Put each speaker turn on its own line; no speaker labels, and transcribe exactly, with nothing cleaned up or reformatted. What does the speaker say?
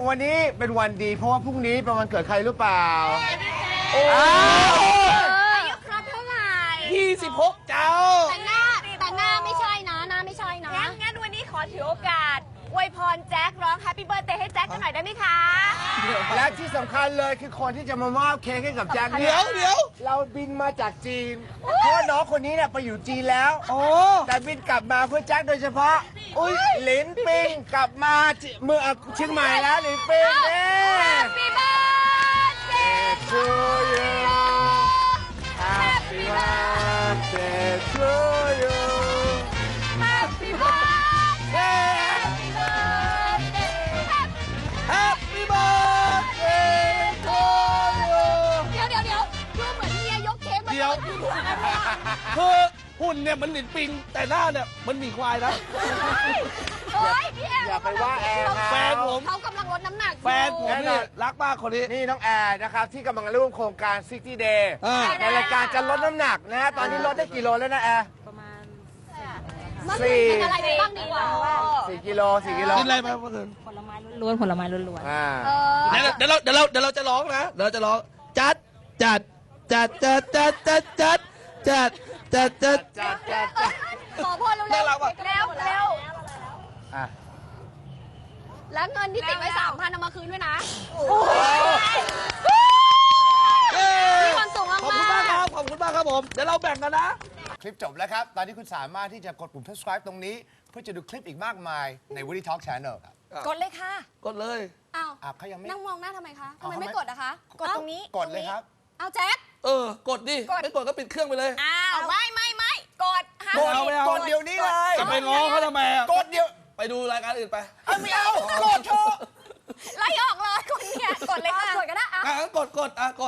วันนี้เป็นวันดีเพราะว่าพรุ่งนี้เป็นวันเกิดใครหรือเปล่าโอ้
อายุครบเท่าไหร่
ยี่สิบหกเจ้า
แต่หน้าแต่หน้าไม่ใช่นะหน้าไม่ใช่นะงั้นงั้นวันนี้ขอถือโอกาสอวยพรแจ็คร้อง Happy Birthday ให้แจ็คกันหน่อยได้ไหมคะ
และที่สำคัญเลยคือคนที่จะมามอบเค้กให้กับแจ็คเนี่
เดี๋ยวเดี๋ยว
เราบินมาจากจีนเพราะว่าน้องคนนี้เนี่ยไปอยู่จีนแล้วโอ้แต่บินกลับมาเพื่อแจ็คโดยเฉพาะอุ้ยหลินปิงกลับมาเมืองเชียงใหม่แล้วหลินปิงเนี่ย
Happy Birthday
to you Happy birthday to you
Happy Birthday Happy Birthday
Happy birthday to you
เดี๋ยวเดี๋ยวเดี๋ยวดูเหมือนเมียยกเค้กมา
เดี๋ยว
ที่หัวกันเนี่ย
คือหุ่นเนี่ยมันหลินปิง แต่หน้าเนี่ยมันหมีควายนะ
เฮ้ยพี่แอร์
อย่าไปว่าแอร์เขา
แฟนผม
เขากำลังลดน้ำหนักอยู่
แฟนผมเนี่ยรักมากคนนี้
นี่น้องแอร์นะครับที่กำลังร่วมโครงการ ซิกตี้ Day
อ่า
ในรายการจะลดน้ำหนักนะฮะตอนนี้ลดได้กี่โลแล้วนะแอร์
มัน
สี่
เป็นอะไรบ้างดีกว่าว่า
สี่กิโลสี่กิโล
กินอะไรมาเมื่อคืน
ผลไม้ล้วนๆผลไม้ล้วน
อ่า
เออ
เดี๋ยวเดี๋ยวเราเดี๋ยวเราเดี๋ยวเราจะร้องนะเดี๋ยวเราจะร้องจัดจัดจัดจัดจัดจัดจัดจัดจัดจัด
จัดจัดจัด
ขอพรเร็ว
น่ารักว่ะ
เร็วเร็ว
อ่ะ
แล้วเงินที่ติดไว้สามพันเอามาคืนด้วยนะ
เย้
มีความสุขมากๆ
ขอบคุณมากครับขอบคุณมากครับผมเดี๋ยวเราแบ่งกันนะ
คลิปจบแล้วครับ ตอนนี้คุณสามารถที่จะกดปุ่ม subscribe ตรงนี้ เพื่อจะดูคลิปอีกมากมายใน Woody Talk Channel ครับ
กดเลยค่ะ
กดเลย
อ้าว
อ่ะเขายังไม่
นั่งมองหน้าทำไมคะทำไม
เอาทำไม
ไม่กดอะคะ กดตรงนี้
กดเลยครับ
เอาแจ็ค
เออกดดิ
กด
ไม่กดก็ปิดเครื่องไปเลย
อ้าวไม่ไม่ไม่กดห้าม
กด
เอาไม่เอา
กดเดี๋ยวนี้เลย
จะไปง้อเขาทำไมอะ
กดเดี๋ยว
ไปดูรายการอื่นไป
เอาไม่เอากดเถอะ
ไล่ออกเลยคนเนี่ยกดเลยค่ะกดก็ได้อะ
อ่ะงั้นกดกดอ่ะกด